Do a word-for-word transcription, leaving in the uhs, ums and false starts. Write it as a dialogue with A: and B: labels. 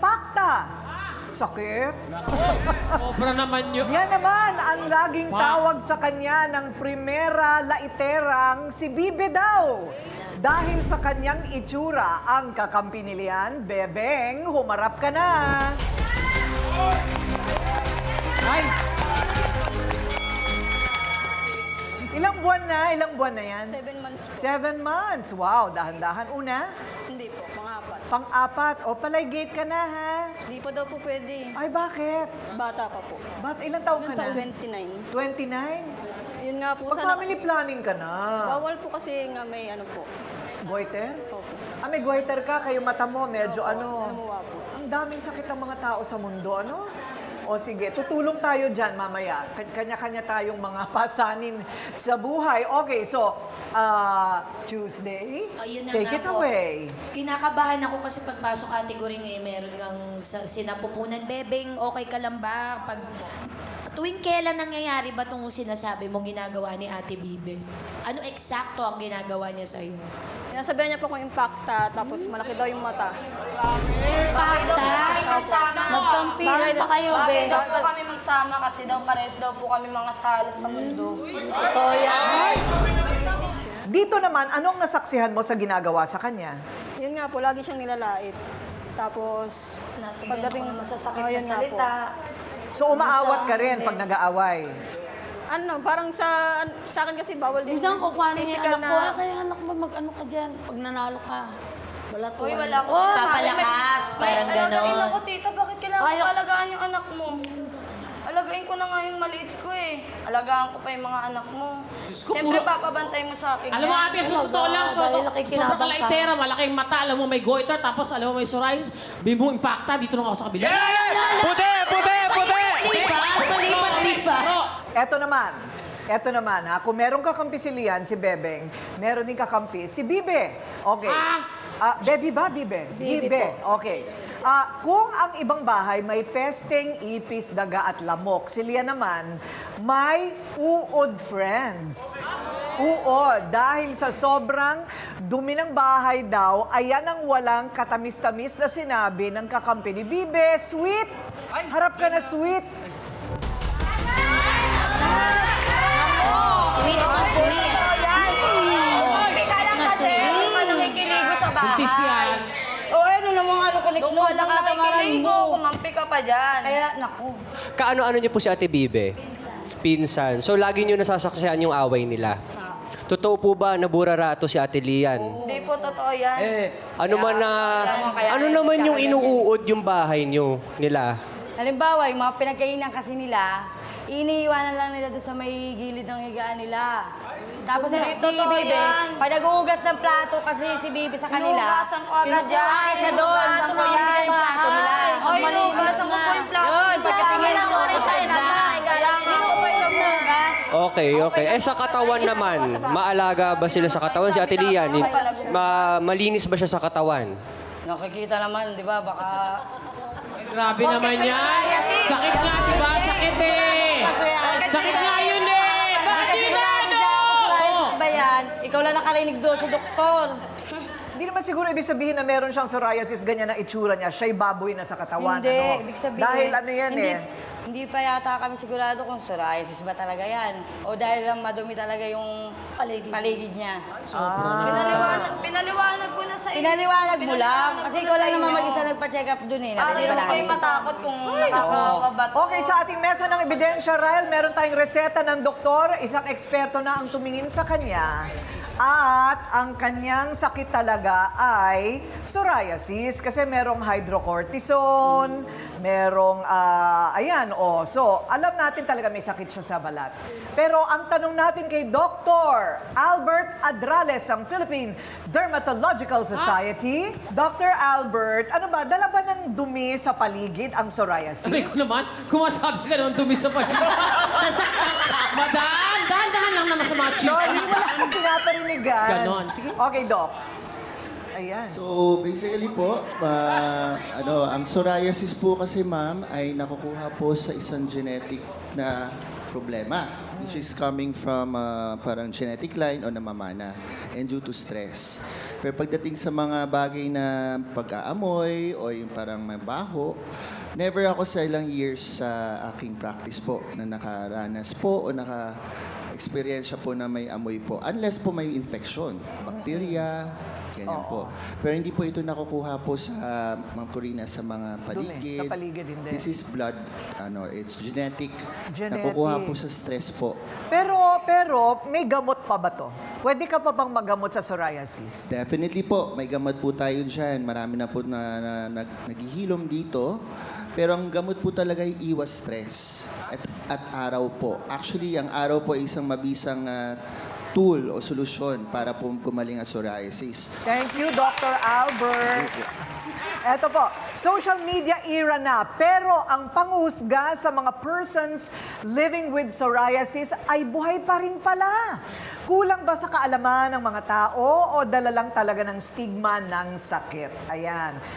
A: impacta. Sakit.
B: Sobra naman yun.
A: Yan naman ang laging tawag sa kanya ng primera laiterang si Bibe daw. Dahil sa kanyang itsura, ang kakampi ni Lian, Bebeng, humarap ka na.
B: Ay,
A: Ilang buwan na? Ilang buwan na yan?
C: Seven months po.
A: Seven months. Wow, dahan-dahan. Una,
C: Hindi po, pang-apat.
A: pang-apat. O, palay gate ka na, ha?
C: Hindi po daw po pwede.
A: Ay, bakit?
C: Bata pa po.
A: Ba't ilang taong ka na?
C: twenty-nine.
A: twenty-nine?
C: Yun nga po,
A: Pag
C: sana...
A: family planning ka na.
C: Bawal po kasi nga may ano po.
A: Goiter?
C: Opo.
A: Ah, may goiter ka, kayo mata mo, medyo
C: Opo,
A: ano.
C: lumuwa po.
A: Ang daming sakit ng mga tao sa mundo, ano? O sige, tutulong tayo dyan mamaya. K- Kanya-kanya tayong mga pasanin sa buhay. Okay, so, uh, Tuesday,
D: Ayun na
A: take
D: nga
A: it
D: po.
A: away.
D: Kinakabahan ako kasi pagpasok category ngayon, meron ngang sa, sinapupunan, Bebeng, okay ka lang ba? Pag, tuwing kailan nangyayari ba itong sinasabi mo ginagawa ni Ate Bibe? Ano eksakto ang ginagawa niya sa'yo?
C: Kaya sabihan niya po kung impacta, tapos malaki daw yung mata.
D: Impacta?
E: Magkampihan pa kayo,
F: Bakit
E: be.
F: daw po kami magsama kasi daw pares daw po kami mga salot sa mundo.
E: Totoo yan.
A: Dito naman, anong nasaksihan mo sa ginagawa sa kanya?
C: Yun nga po, lagi siyang nilalait. Tapos,
F: Sinasabihan
C: pagdating
F: ako ng masasakit
C: Oh,
F: na
C: yun nga po.
F: salita.
A: So, umaawat ka rin pag nag-aaway.
C: Ano, parang sa sa akin kasi bawal din.
E: Minsan ko kuhanin yung
C: physical
E: anak ko. Ah, kaya anak mo, mag-ano ka dyan. Pag nanalo ka. Wala to.
F: Uy, wala ko
E: Oh,
F: sinasabi.
D: Papalakas, parang
F: May- Alagain
D: ganon.
F: ako, tita. Bakit kailangan
E: Ayaw.
F: ko alagaan yung anak mo? Alagain ko na nga yung maliit ko eh. Alagaan ko pa yung mga anak mo.
B: Diyos ko,
F: Siyempre,
B: puro-
F: papabantay mo sa akin.
B: alam mo
F: yan.
B: ate, sa totoo lang, so,
E: Dahil nakikinabang
B: sobrang
E: ka.
B: kalaitera, malaking mata, alam mo may goiter, tapos alam mo may psoriasis, bimbo impacta, dito na ako sa kabila.
G: Puti! Puti! Puti!
D: Lipat, palipat, lipat.
A: Eto naman. Eto naman, ha? Kung merong kakampi si Lian, si Bebeng, meron din kakampi si Bibe. Okay.
B: Ah!
A: Ah, Bebe ba, Bibe?
E: Bibe
A: Okay. Ah, kung ang ibang bahay may pesteng, ipis, daga at lamok, si Lian naman may uod friends. Uod. Dahil sa sobrang dumi ng bahay daw, ayan ang walang katamis-tamis na sinabi ng kakampi ni Bibe. Sweet! Harap ka na, sweet!
D: Sweet na sweet.
F: Kaya
D: na
F: kasi,
D: sweet.
F: hindi pa nakikiligo sa bahay.
B: Buntis yan.
E: O, ano naman ano kunik
F: Doon
E: mo
F: ka
E: sa
F: lang
E: katamaran
F: nakikiligo,
E: mo.
F: kumampi ka pa dyan.
E: Kaya, naku.
G: Kaano-ano niyo po si Ate Bibe? Pinsan. So, lagi niyo nasasaksihan yung away nila. Totoo po ba na burarato si Ate Lian?
F: Hindi po totoo yan.
G: Ano man na... Ano naman yung inuuod yung bahay niyo nila?
E: Halimbawa, yung mga pinagkainan kasi nila, iniiwanan lang nila doon sa may gilid ng higaan nila. Tapos si, si
F: Totoo
E: Bibe,
F: yan.
E: pag nag-uugas ng plato kasi si Bibe sa kanila,
F: Inuugasan ko agad yan.
E: kinukuha siya doon,
F: Inuugasan
E: sa
F: ko
E: may
F: yan.
E: yung plato nila.
F: Ay, inuugasan ko po yung plato.
E: Yun, pagkatingin
F: Wala
E: mo,
F: ko rin siya,
E: na.
F: Kailangan ko pa yung hugas.
G: Okay, okay. Eh, sa katawan naman, maalaga ba sila sa katawan? Si Ate Lian, ma malinis ba siya sa katawan?
E: Nakikita naman, di ba, baka...
B: Grabe naman yan. Sakit nga, di ba? Sakit eh. Sakit nga yun eh. Bakit
E: Kasi
B: yun
E: wala
B: na,
E: ano
B: ano?
E: dyan, psoriasis ba yan? Ikaw lang nakarinig doon sa doktor.
A: Hindi naman siguro ibig sabihin na meron siyang psoriasis, ganyan na itsura niya, siya'y baboy na sa katawan.
E: Hindi,
A: ano?
E: ibig sabihin...
A: Dahil ano yan
E: hindi,
A: eh.
E: Hindi pa yata kami sigurado kung psoriasis ba talaga yan. O dahil lang madumi talaga yung paligid, paligid niya.
F: Pinaliwanag, pinaliwanag ko na sa iyo.
E: Pinaliwanag mo lang.
F: Pinaliwanag
E: Kasi
F: ko
E: ikaw
F: na
E: lang
F: sa
E: naman
F: inyo.
E: mag-isa nagpa-check up dun eh.
F: Para
E: Nakita
F: hindi
E: ba
F: ko kayo
E: namin?
F: matakot kung nakakawabat.
A: Okay, sa ating mesa ng ebidensya, Ryle, meron tayong reseta ng doktor, isang eksperto na ang tumingin sa kanya. At ang kanyang sakit talaga ay psoriasis kasi merong hydrocortisone, merong, ah, ayan, oh. So, alam natin talaga may sakit siya sa balat. Pero ang tanong natin kay Doctor Albert Adrales ng Philippine Dermatological Society. Doctor Albert, ano ba, dala ba ng dumi sa paligid ang psoriasis?
B: Sabi ko naman, kumasabi ka naman dumi sa paligid. Madam, dahan-dahan lang naman sa mga
A: Sorry,
B: chika.
A: wala akong pinaparinigan.
B: Ganon. Sige.
A: Okay, Doc. Ayan.
H: So basically po, ah, ano, ang psoriasis po kasi ma'am ay nakukuha po sa isang genetic na problema which is coming from ah, parang genetic line o namamana and due to stress. Pero pagdating sa mga bagay na pag-aamoy o yung parang mabaho, never ako sa ilang years sa aking practice po na nakaranas po o naka-experience po na may amoy po. Unless po may infection, bacteria, ganyan po. Pero hindi po ito nakukuha po sa Ma'am Corina sa mga paligid.
A: Sa paligid, hindi.
H: This is blood, ano, it's genetic.
A: Genetic.
H: Nakukuha po sa stress po.
A: Pero, pero, may gamot pa ba to? Pwede ka pa bang magamot sa psoriasis?
H: Definitely po, may gamot po tayo dyan. Marami na po na, na, nag, naghihilom dito. Pero ang gamot po talaga ay iwas stress at, at araw po. Actually, ang araw po ay isang mabisang ah, tool o solusyon para po gumaling ang psoriasis.
A: Thank you, Doctor Albert. Eto po, social media era na, pero ang panghusga sa mga persons living with psoriasis ay buhay pa rin pala. Kulang ba sa kaalaman ng mga tao o dala lang talaga ng stigma ng sakit? Ayan.